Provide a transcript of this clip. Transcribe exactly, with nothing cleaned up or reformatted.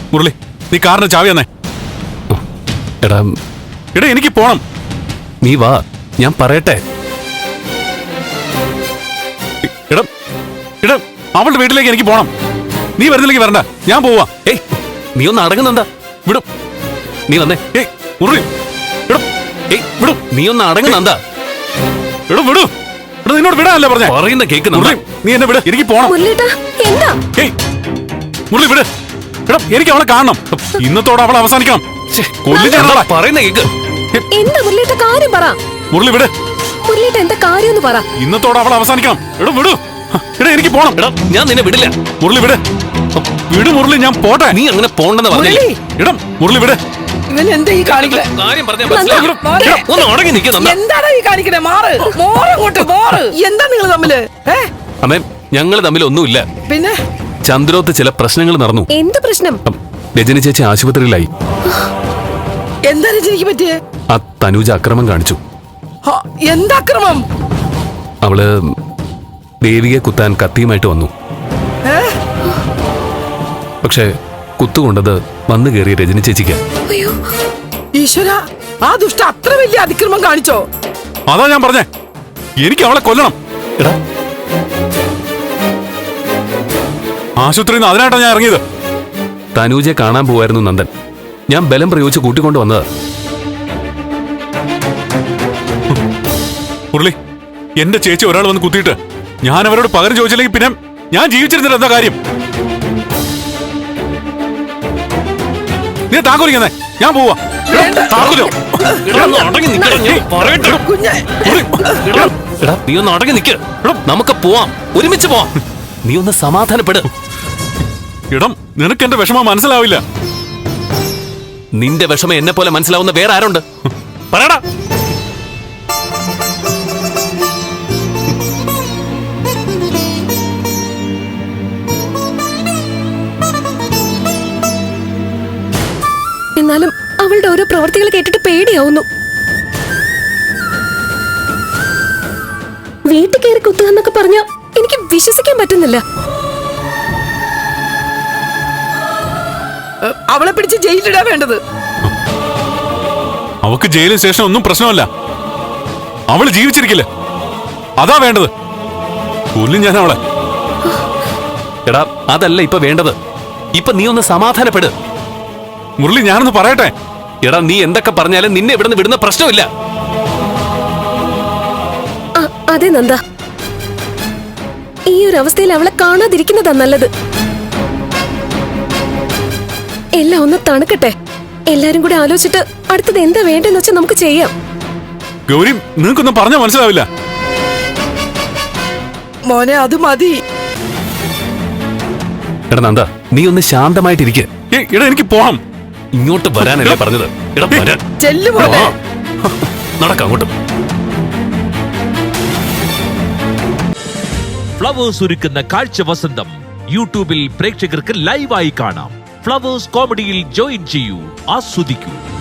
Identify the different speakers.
Speaker 1: മുരളി, നീ കാറിന്റെ ചാവി തന്നെ.
Speaker 2: എടാ
Speaker 1: എടാ എനിക്ക് പോണം.
Speaker 2: നീ വാ, ഞാൻ പറയട്ടെ.
Speaker 1: എടാ എടാ അവളുടെ വീട്ടിലേക്ക് എനിക്ക് പോണം. നീ വരുന്നില്ലെങ്കിൽ വരണ്ട, ഞാൻ പോവാ.
Speaker 2: ഏയ് നീ ഒന്ന് അടങ്ങുന്നെന്താ?
Speaker 1: വിടും.
Speaker 2: നീ വന്നേ.
Speaker 1: ഏയ് മുരളി, എടാ
Speaker 2: ഏയ് വിടും. നീ ഒന്ന് അടങ്ങുന്നെന്താ?
Speaker 1: എടാ വിടൂ. എടാ നിന്നോട് വിടാനല്ലേ പറഞ്ഞേ?
Speaker 2: പറയുന്ന കേൾക്കുന്ന
Speaker 1: മുരളി, നീ എന്നെ വിട്, എനിക്ക് പോണം. ഏയ് മുരളി വിട്. എടാ എനിക്ക് അവളെ കാണണം. ഇന്നത്തോടെ അവളെ അവസാനിക്കണം. കൊല്ലിച്ചാണോ
Speaker 2: പറയുന്ന കേക്ക്.
Speaker 3: എന്താ മുരളിയുടെ കാര്യം പറ.
Speaker 1: മുരളി വിട്.
Speaker 3: മുരളിയുടെ എന്താ കാര്യം എന്ന് പറ.
Speaker 1: ഇന്നത്തോടെ അവളെ അവസാനിക്കണം. എടാ വിടൂ. എടാ എനിക്ക് പോണം.
Speaker 2: എടാ ഞാൻ നിന്നെ വിടില്ല.
Speaker 1: മുരളി വിട്. വിട് മുരളി, ഞാൻ പോട്ടെ.
Speaker 2: നീ അങ്ങനെ പോണ്ടെന്ന് പറഞ്ഞില്ലേ?
Speaker 1: ഇടം മുരളി വിട്.
Speaker 4: ഇവൻ എന്താ ഈ കാണിക്കണേ?
Speaker 2: കാര്യം പറഞ്ഞാ മനസ്സിലായി. ഒന്ന് അടങ്ങി നിൽക്കുന്ന
Speaker 4: എന്താണ് ഈ കാണിക്കണേ? മാറ്, മോറങ്ങോട്ട് മോറ്. എന്താ നിങ്ങൾ തമ്മില്?
Speaker 2: അമ്മേ, ഞങ്ങള് തമ്മിൽ ഒന്നുമില്ല.
Speaker 4: പിന്നെ
Speaker 2: ചന്ദ്രോത്ത് ചില പ്രശ്നങ്ങൾ നടന്നു.
Speaker 3: എന്ത് പ്രശ്നം?
Speaker 2: രജനി ചേച്ചി ആശുപത്രിയിലായി.
Speaker 4: എന്താ രജനിക്ക് പറ്റിയേ?
Speaker 2: ആ തനൂജ അക്രമം കാണിച്ചു.
Speaker 4: എന്താ അക്രമം?
Speaker 2: അവള് ദേവിയെ കുത്താൻ കത്തിയുമായിട്ട് വന്നു. പക്ഷെ കുത്തുകൊണ്ടത് വന്നു കയറിയ രജനി ചേച്ചിക്ക്.
Speaker 4: ഈശ്വര, ആ ദുഷ്ട അത്ര വലിയ അതിക്രമം കാണിച്ചോ?
Speaker 1: അതാ ഞാൻ പറഞ്ഞേ, എനിക്ക് അവളെ കൊല്ലണം.
Speaker 2: എടാ
Speaker 1: ആശുപത്രിയിൽ നിന്ന് അതിനായിട്ടാ ഞാൻ ഇറങ്ങിയത്.
Speaker 2: തനൂജയെ കാണാൻ പോവായിരുന്നു നന്ദൻ. ഞാൻ ബലം പ്രയോഗിച്ച് കൂട്ടിക്കൊണ്ട് വന്നതാ.
Speaker 1: മുരളി, എന്റെ ചേച്ചി ഒരാൾ വന്ന് കുത്തിയിട്ട് ഞാൻ അവരോട് പകരം ചോദിച്ചില്ലെങ്കിൽ പിന്നെ ഞാൻ ജീവിച്ചിരുന്നില്ല. എന്താ കാര്യം? നീ താക്കോലിക്കുന്നേ, ഞാൻ പോവാ. താക്കോലോ
Speaker 2: നീ ഒന്ന് അടങ്ങി നിൽക്ക്. നമുക്ക് പോവാം, ഒരുമിച്ച് പോവാം. നീ ഒന്ന് സമാധാനപ്പെട്.
Speaker 1: ഇടം, നിനക്ക് എന്റെ വിഷമം മനസ്സിലാവില്ല.
Speaker 2: നിന്റെ വിഷമം എന്നെ പോലെ മനസ്സിലാവുന്ന വേറെ ആരുണ്ട്? പറയടാ.
Speaker 3: എന്നാലും അവളുടെ ഓരോ പ്രവർത്തികൾ കേട്ടിട്ട് പേടിയാവുന്നു. വീട്ടിൽ കയറി കുത്തുക എന്നൊക്കെ പറഞ്ഞ എനിക്ക് വിശ്വസിക്കാൻ പറ്റുന്നില്ല.
Speaker 4: അവളെ പിടിച്ച് ജയിലിടാ വേണ്ടത്.
Speaker 1: അവക്ക് ജയിലിന് ശേഷം ഒന്നും പ്രശ്നമല്ല. അവള് ജീവിച്ചിരിക്കില്ല, അതാ വേണ്ടത്. കൊല്ലും ഞാൻ അവളെ.
Speaker 2: എടാ അതല്ല ഇപ്പൊ വേണ്ടത്. ഇപ്പൊ നീ ഒന്ന് സമാധാനപ്പെട്.
Speaker 1: മുരളി, ഞാനൊന്ന് പറയട്ടെ.
Speaker 2: എടാ നീ എന്തൊക്കെ പറഞ്ഞാലും നിന്നെ ഇവിടുന്ന് വിടുന്ന പ്രശ്നമില്ല.
Speaker 3: അതെ നന്ദ, ഈ ഒരു അവസ്ഥയിൽ അവളെ കാണാതിരിക്കുന്നതാ നല്ലത്. എല്ലാം ഒന്ന് തണുക്കട്ടെ. എല്ലാരും കൂടെ ആലോചിച്ചിട്ട് അടുത്തത് എന്താ വേണ്ടെന്ന് വെച്ചാൽ നമുക്ക് ചെയ്യാം.
Speaker 1: ഗൗരി, നിങ്ങൾക്കൊന്നും പറഞ്ഞാൽ മനസ്സിലാവില്ല.
Speaker 4: മോനെ, അത് മതി.
Speaker 2: എടാ നന്ദ, നീ ഒന്ന് ശാന്തമായിട്ടിരിക്കെ.
Speaker 1: എടാ എനിക്ക് പോണം.
Speaker 2: ഇങ്ങോട്ട് വരാനല്ലേ പറഞ്ഞത്? എടാ വരാൻ.
Speaker 4: ചെല്ലു മോനെ.
Speaker 2: നടക്കാം അങ്ങോട്ട്.
Speaker 5: ഫ്ലവേഴ്സ് ഒരുക്കുന്ന കാഴ്ച വസന്തം യൂട്യൂബിൽ പ്രേക്ഷകർക്ക് ലൈവായി കാണാം. ഫ്ലവേഴ്സ് കോമഡിയിൽ ജോയിൻ ചെയ്യൂ, ആസ്വദിക്കൂ.